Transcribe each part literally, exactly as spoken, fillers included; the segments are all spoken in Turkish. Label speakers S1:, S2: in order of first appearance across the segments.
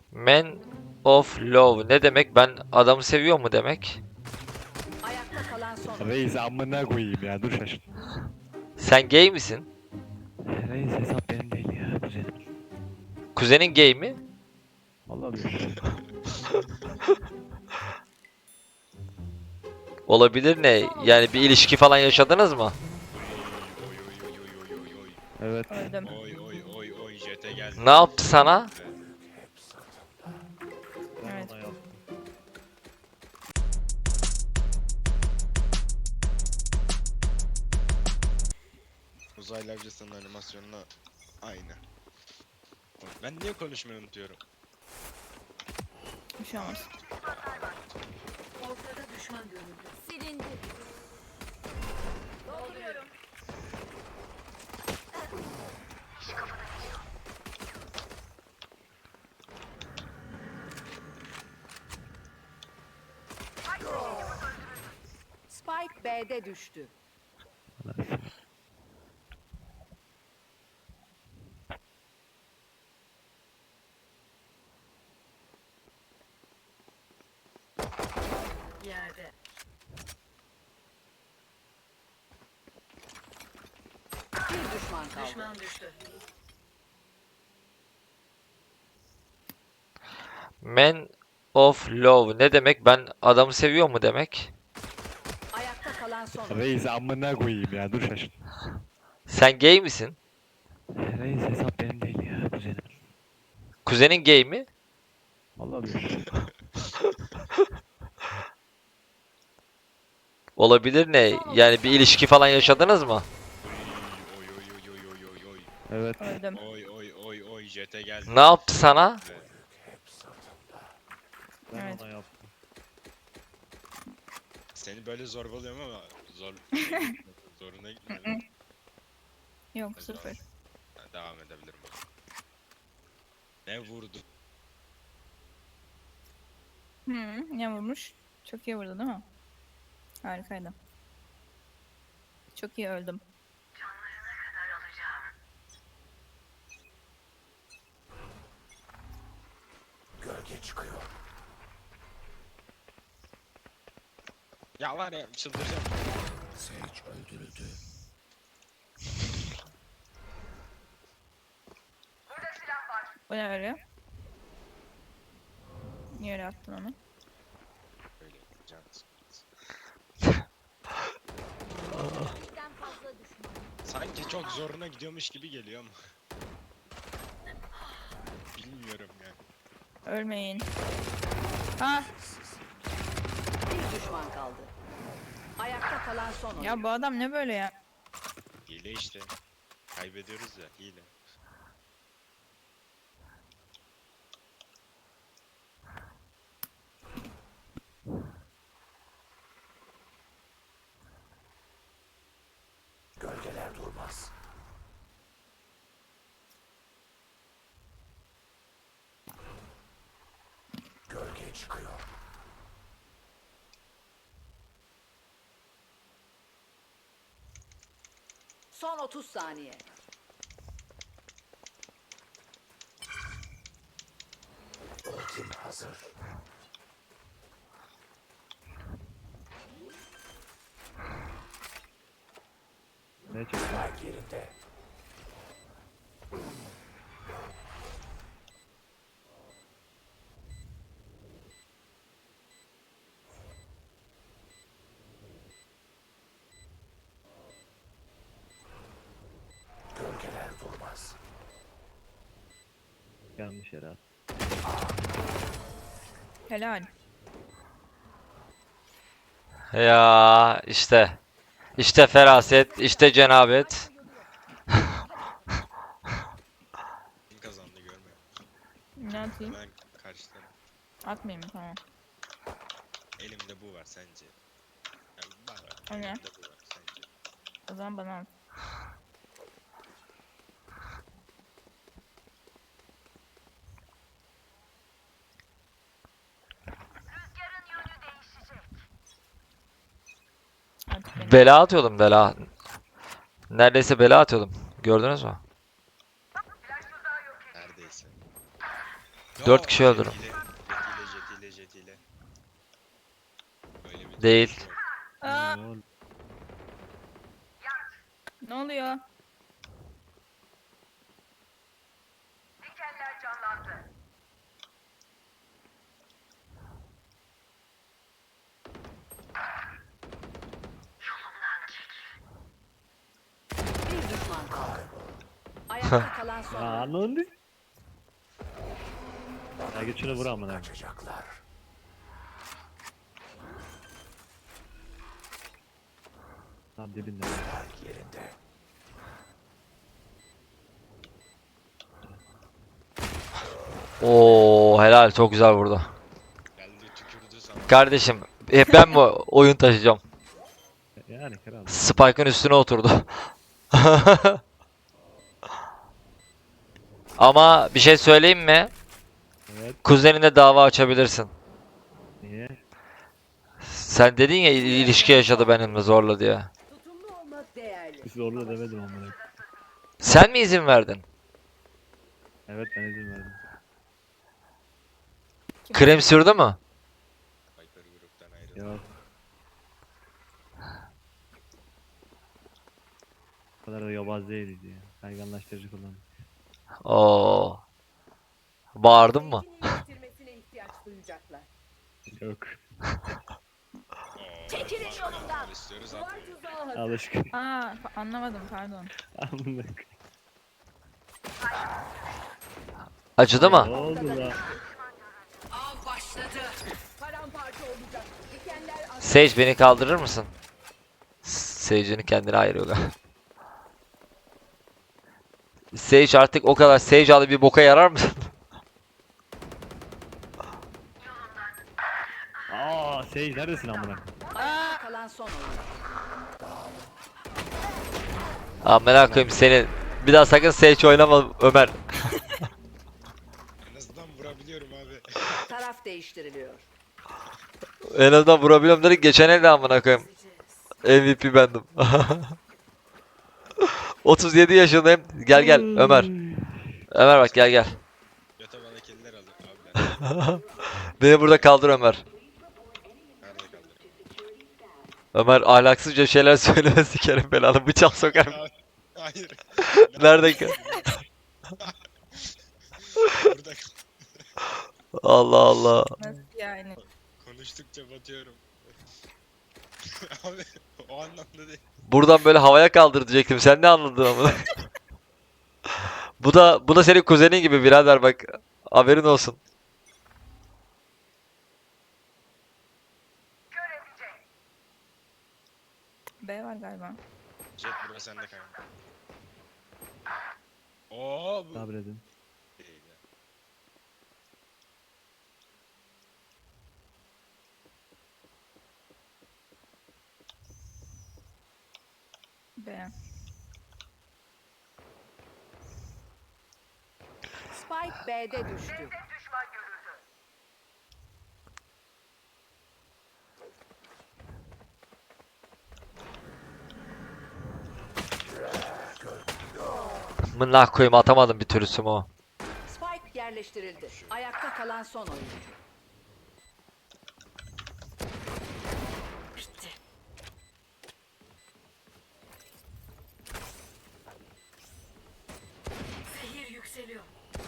S1: Man of Love ne demek? Ben adamı seviyor mu demek?
S2: Ayakta kalan son.
S3: Reis amına koyayım ya, dur şaşır.
S1: Sen gay misin?
S3: Reis hesap benim değil ya, kuzenim.
S1: Kuzenin gay mi?
S3: Vallahi bilmiyorum.
S1: Olabilir ne? Yani bir ilişki falan yaşadınız mı?
S3: Evet.
S4: Öldüm.
S5: Oy oy oy oy jete geldi.
S1: Ne yaptı sana?
S3: Ben
S4: Evet.
S3: ona yaptım.
S5: Uzaylı avcısının animasyonuna aynı. Ben niye konuşmayı unutuyorum?
S4: Bir şey olmaz.
S2: Ortada düşman görüldü.
S6: Silindi. Dolduruyorum.
S2: Spike B'de düştü. Yerde. Bir düşman kaldı. Düşman düştü.
S1: Man of Love ne demek? Ben adamı seviyor mu demek?
S2: Ayakta kalan son.
S3: Reis amına koyayım ya, dur şaşır.
S1: Sen gay misin?
S3: Reis hesap benim değil ya, kuzenim.
S1: Kuzenin gay mi?
S3: Vallahi bilmiyorum.
S1: Olabilir ne? Yani bir ilişki falan yaşadınız mı?
S5: Oy oy oy oy oy oy oy.
S3: Evet.
S4: Öldüm.
S5: Oy oy oy oy jete geldi.
S1: Ne yaptı sana?
S3: Ben
S4: Evet.
S3: ona yaptım.
S5: Seni böyle zorbalıyorum ama zor zoruna gitmiyor.
S4: Yok sıfır.
S5: Ben devam edebilirim. Ne vurdu?
S4: Hı, ne vurmuş? Çok iyi vurdu değil mi? Harikaydı. Çok iyi öldüm.
S5: Ya var ya çıldıracağım.
S4: O ne öyle? Niye öyle attın onu?
S5: Böyle can sıkıntısı.
S6: Birden fazla düşman.
S5: Sanki çok zoruna gidiyormuş gibi geliyor ama. Bilmiyorum yani.
S4: Ölmeyin. Ha
S2: Bir düşman kaldı. Ayakta kalan son oyuncu.
S4: ya bu adam ne böyle ya?
S5: Hile işte. Kaybediyoruz ya hile.
S2: Son otuz saniye.
S3: Ne çıktı? Yanlış yere attım.
S4: Helal.
S1: Ya işte. İşte feraset, işte cenabet.
S5: Kim kazandı görmüyor.
S4: Ne atayım?
S5: Ben karşılarım.
S4: Atmayayım mı? Tamam.
S5: Elimde bu var sence. Yani var var.
S4: O ne?
S5: Elimde bu var sence.
S4: O zaman bana at. Artık benim.
S1: Bela atıyordum bela. Neredeyse bela atıyordum. Gördünüz mü?
S5: Neredeyse.
S1: Dört kişi öldürün.
S5: Jetiyle, jetiyle, jetiyle, jetiyle. Böyle bir
S1: Değil.
S5: durum yok.
S4: Aa,
S3: Ne oldu?
S4: ne oluyor?
S2: Bir düşman kaldı. Ayakta kalan son
S3: Ya
S2: oyuncu.
S3: anladın. Ya git şunu vur amına. Tam dibinde.
S1: Oo helal, çok güzel burada.
S5: Geldi tükürdü sana.
S1: Kardeşim hep ben mi oyun taşıyacağım?
S3: Yani kral.
S1: Spike'ın üstüne oturdu. Ama bir şey söyleyeyim mi?
S3: Evet.
S1: Kuzenine dava açabilirsin.
S3: Niye?
S1: Sen dedin ya il- ilişki yaşadı benimle zorla diye.
S2: Tutumlu olmak değerli.
S3: Zorla demedim amına.
S1: Sen mi izin verdin?
S3: Evet ben izin verdim.
S1: Krem sürdü mü?
S5: Viper gruptan ayrıldı.
S3: Yok. O kadar da yobaz değiliz ya. Kayganlaştırıcı kullandım.
S1: Oo. Bağırdın mı?
S2: iyileştirmesine ihtiyaç duyacaklar.
S3: Yok.
S2: Çekilin yolumdan.
S5: İstiyoruz
S2: Duvar
S5: atmıyor.
S2: tuzağı hazır.
S3: Alışkın.
S4: Aa, pa- anlamadım pardon.
S3: Amına.
S1: Acıdı
S3: Ne
S1: mı?
S3: oldu la?
S2: Av başladı. Paramparça olacak. Dikenler az.
S1: Sage beni kaldırır mısın? Sage'ini kendine ayırıyor galiba. Sage artık o kadar Sage alı bir boka yarar mısın?
S3: Aa Sage neredesin amına?
S2: Ayakta kalan son oyuncu.
S1: Aa merak koyayım seni. Bir daha sakın Sage oynama Ömer.
S5: En azından vurabiliyorum abi.
S2: Taraf değiştiriliyor.
S1: En azından vurabiliyorum dedik, geçen elde amına koyayım. M V P bendim. otuz yedi yaşındayım. Gel gel Ömer. Ömer bak gel gel.
S5: Yata bana kediler alır abi ben.
S1: Beni burada kaldır Ömer.
S5: Nerede kaldı?
S1: Ömer ahlaksızca şeyler söyleme, sikerim belanı, bıçak sokarım.
S5: Abi, hayır.
S1: Nerede kal?
S5: Burada
S1: Allah Allah.
S4: Nasıl yani?
S5: konuştukça batıyorum. Abi o anlamda değil.
S1: Buradan böyle havaya kaldır diyecektim. Sen ne anladın ama? Bu da bu da senin kuzenin gibi birader bak. Haberin olsun.
S4: B var galiba.
S5: Jet burası sende kanka. Oo bu
S3: Sabredin.
S5: değil ya.
S4: B.
S2: Spike B'de düştü.
S1: Mınlah koyayım, atamadım bir türlü o.
S2: Spike yerleştirildi. Ayakta kalan son oyuncu. Bitti. Zehir yükseliyor.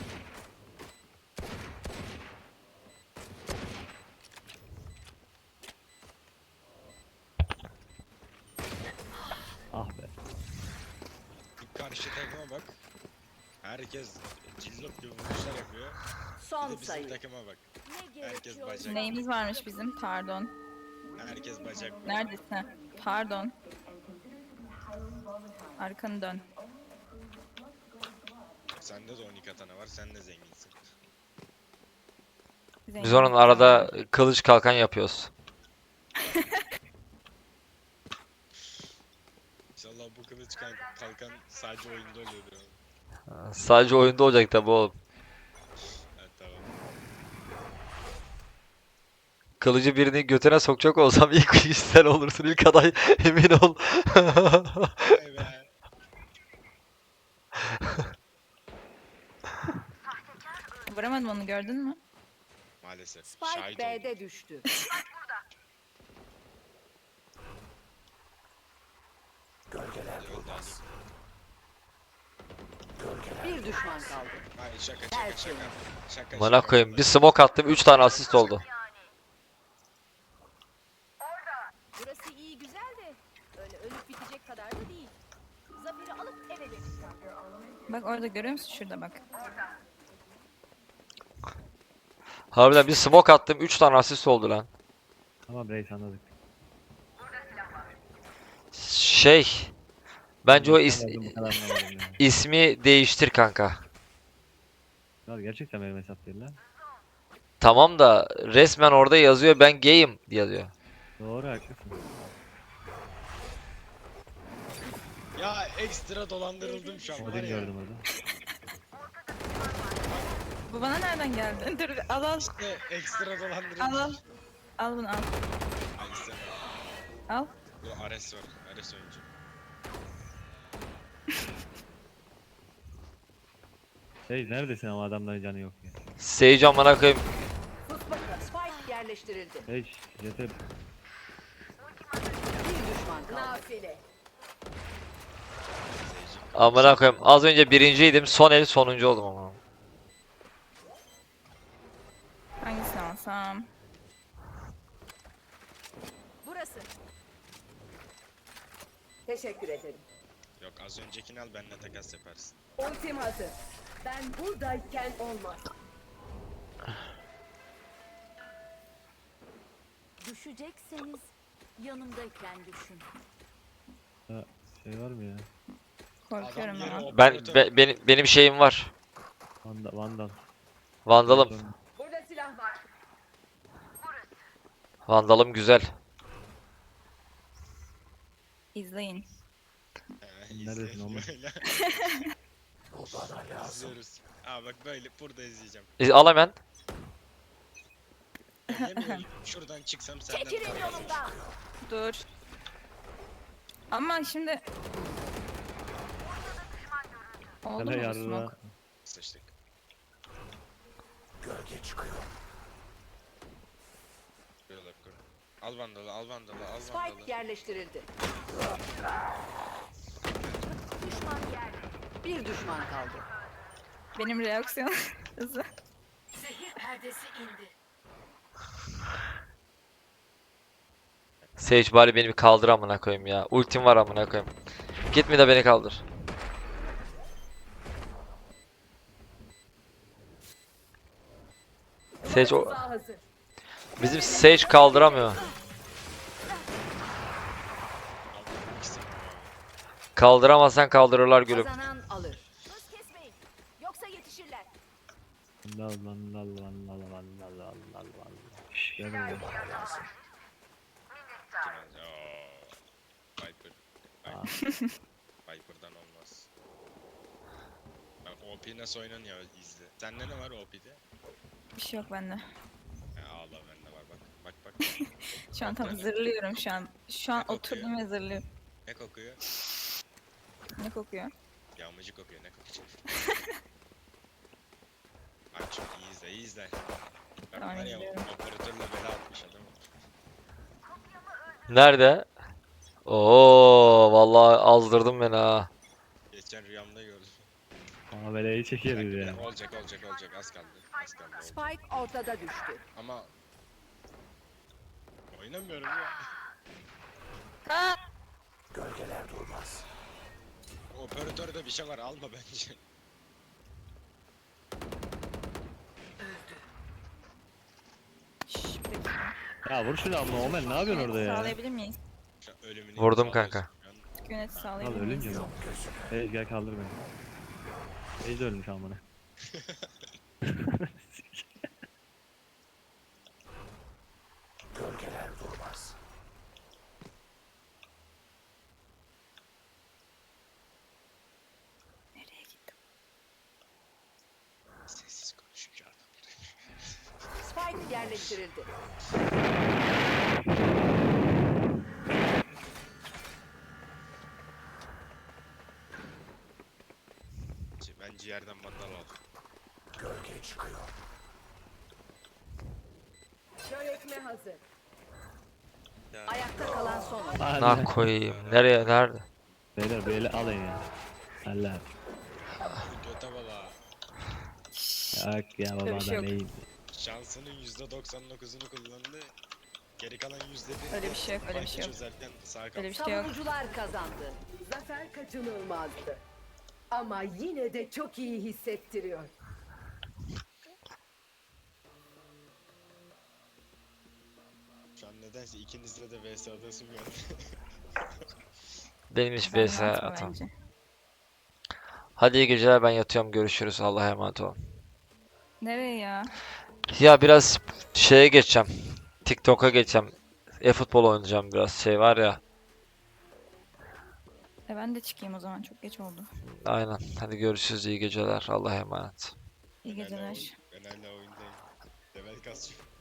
S3: Ah be.
S5: Bir karşı takıma bak. Herkes cillop gibi vuruşlar yapıyor. Bir
S2: Son
S5: de bizim
S2: sayı.
S5: takıma bak.
S2: Ne
S5: Herkes
S2: gerekiyor?
S5: bacak.
S4: Neyimiz varmış bizim? Pardon.
S5: Herkes bacak.
S4: Neredesin? Pardon. Arkanı dön.
S5: Sende de on iki katana var. Sen de zenginsin.
S1: Biz
S4: Zengin.
S1: onun arada kılıç kalkan yapıyoruz.
S5: İnşallah bu kılıç kalk- kalkan sadece oyunda oluyordur. abi.
S1: Sadece oyunda olacak tabi oğlum.
S5: Evet tamam.
S1: Kılıcı birinin götüne sokacak olsam ilk kişi sen olursun, ilk aday, emin ol.
S5: Vay be.
S4: Vuramadım onu, gördün mü?
S5: Maalesef.
S2: Spike
S5: Şahit oldum.
S2: B'de düştü.
S5: Öldü Ali.
S2: Bir düşman kaldı.
S5: Hayır şaka şaka şaka. Şaka
S1: Bana
S5: şaka.
S1: koyayım. Bir smoke attım. üç tane asist oldu.
S6: Burası iyi güzel de öyle ölüp bitecek kadar da değil. Zaferi alıp eve döneceğim.
S4: Bak orada görüyor musun? Şurada bak.
S1: Harbiden bir smoke attım. üç tane asist oldu lan.
S3: Tamam reis anladık.
S1: Şey. Bence o is-
S3: Ben bu kadar anlamadım ya.
S1: ismi değiştir kanka.
S3: Ya gerçekten benim hesap değil lan.
S1: Tamam da resmen orada yazıyor ben gayim yazıyor.
S3: Doğru haklısın.
S5: Ya ekstra dolandırıldım şu an var
S3: Odin
S5: ya.
S3: gördüm orada.
S4: Bu bana nereden geldi? Dur al al.
S5: İşte ekstra dolandırıldım.
S4: Al al. Al bunu al.
S5: Hangisi?
S4: Al.
S5: Bu Ares var. Ares oyuncu.
S3: Hey neredesin ama adamların canı yok ya.
S1: Sage amına koyayım.
S2: Sus bakalım. Spike yerleştirildi.
S3: Hey yeter.
S2: Bir düşman kaldı.
S6: Nafile.
S1: Amına koyayım. Az önce birinciydim. Son el sonuncu oldum ama.
S4: Hangisini alsam?
S6: Burası.
S2: Teşekkür ederim.
S5: Yok az öncekini al benimle takas yaparsın.
S2: Ultim hazır. Ben buradayken olmaz.
S6: Düşecekseniz yanımdayken düşün.
S3: Ha, şey var mı ya?
S4: Korkuyorum
S5: Adam yeri
S4: ama.
S1: Ben
S5: operatör.
S1: be- benim benim şeyim var.
S3: Vandal. Vandal.
S1: Vandalım.
S2: Burada silah var.
S1: Vandalım güzel.
S4: İzleyin.
S5: He,
S3: Neredesin
S5: izleyelim
S3: oğlum?
S5: böyle. İzliyoruz. Aa bak böyle burada izleyeceğim.
S1: İz- Al hemen.
S5: Ya yemin ediyorum, şuradan çıksam senden
S6: Çekilin
S5: para kazanırım.
S6: yolumdan.
S4: Dur. Ama şimdi... Oldu
S3: Hele
S4: mu bu
S3: yarra.
S4: smoke?
S5: Sıçtık. Böyle yap, kur. Al vandalı, al vandalı, al
S2: Spike
S5: vandalı.
S2: yerleştirildi.
S6: Düşman yer.
S2: Bir düşman kaldı.
S4: Benim reaksiyon hızı.
S6: Zehir perdesi indi.
S1: Sage bari beni bir kaldır amına koyayım ya. Ultim var amına koyayım. Gitme de beni kaldır. Sage o
S2: Tuzağı hazır.
S1: bizim Sage kaldıramıyor.
S5: İkisi.
S1: Kaldıramazsan kaldırırlar gülüm.
S2: Kazanan alır.
S6: Hız kesmeyin. Yoksa yetişirler.
S3: Vandal. Vandal. Vandal. Vandal. Vandal. Vandal. Şşş gel buraya.
S5: Kim alacak? Oo. Viper.
S3: Aa.
S5: Viper. Viper'dan olmaz. Bak O P nasıl oynanıyor izle. Sende ne var O P'de?
S4: Bir şey yok bende.
S5: He ağla bende var bak. Bak bak.
S4: Şu an tam
S5: Bak böyle.
S4: zırlıyorum şu an. Şu an
S5: Ne kokuyor?
S4: oturdum ve zırlıyorum.
S5: Ne kokuyor?
S4: Ne kokuyor?
S5: Yağmacı kokuyor ne kokacak? Bak çok iyi izle iyi izle. Bak
S4: Tamam,
S5: var ya
S4: izliyorum.
S5: operatörle bela atmış adam.
S1: Nerede? Oo vallahi azdırdın beni ha.
S5: Geçen rüyamda gördüm.
S3: Ameleyi
S5: Bir
S3: çekeriz
S5: dakika,
S3: ya.
S5: olacak olacak olacak az kaldı. Az kaldı oldu.
S2: Spike ortada düştü.
S5: Ama oynamıyorum ya.
S4: Aa!
S5: Operatörde bir şey var alma bence.
S4: Şşş, bir dakika.
S3: Ya vur şunu ama Omen ne yapıyorsun orada ya?
S4: Sağlayabilir miyiz?
S5: Şu an ölümünü
S1: Vurdum
S5: imzalıyorsun
S1: kanka.
S5: şu an.
S4: Yönet
S3: Al
S4: sağlayabilir
S3: ölünce
S4: miyiz?
S3: mi? Hey gel kaldır beni. Hey de ölmüş amına.
S4: Nereye gitti?
S5: Sessiz konuşunca adam.
S2: Spike yerleştirildi.
S5: Ben ciğerden mandal aldım.
S6: Kör etme hazır.
S2: Ayakta kalan son oyuncu.
S3: Hadi.
S1: Nah koyayım. Nereye? Nerede?
S3: Beyler böyle alın ya. Allah.
S5: Göte bala.
S3: Yok ya baba
S4: Öyle bir şey
S3: adam
S4: yok.
S3: iyi.
S5: Şansının yüzde doksan dokuzunu kullandı. Geri kalan yüzde bir.
S4: Öyle bir şey yok, öyle bir şey yok.
S5: Çözerken sağ
S4: Öyle
S5: kaldı.
S4: bir şey yok.
S2: Savunucular kazandı.
S6: Zafer kaçınılmazdı. Ama yine de çok iyi hissettiriyor.
S5: Şu an nedense ikinizle de V S adası bir geldi.
S1: Benim hiç
S4: Sen
S1: V S
S4: rahatma
S1: atam.
S4: bence.
S1: Hadi iyi geceler, ben yatıyorum, görüşürüz, Allah'a emanet olun.
S4: Nereye ya?
S1: Ya biraz şeye geçeceğim. TikTok'a geçeceğim. E-futbol oynayacağım biraz, şey var ya.
S4: E ben de çıkayım o zaman. Çok geç oldu.
S1: Aynen. Hadi görüşürüz, iyi geceler, Allah'a emanet.
S4: İyi
S5: Ben hala
S4: geceler.
S5: oyun- Ben hala oyundayım. Level kasıyorum.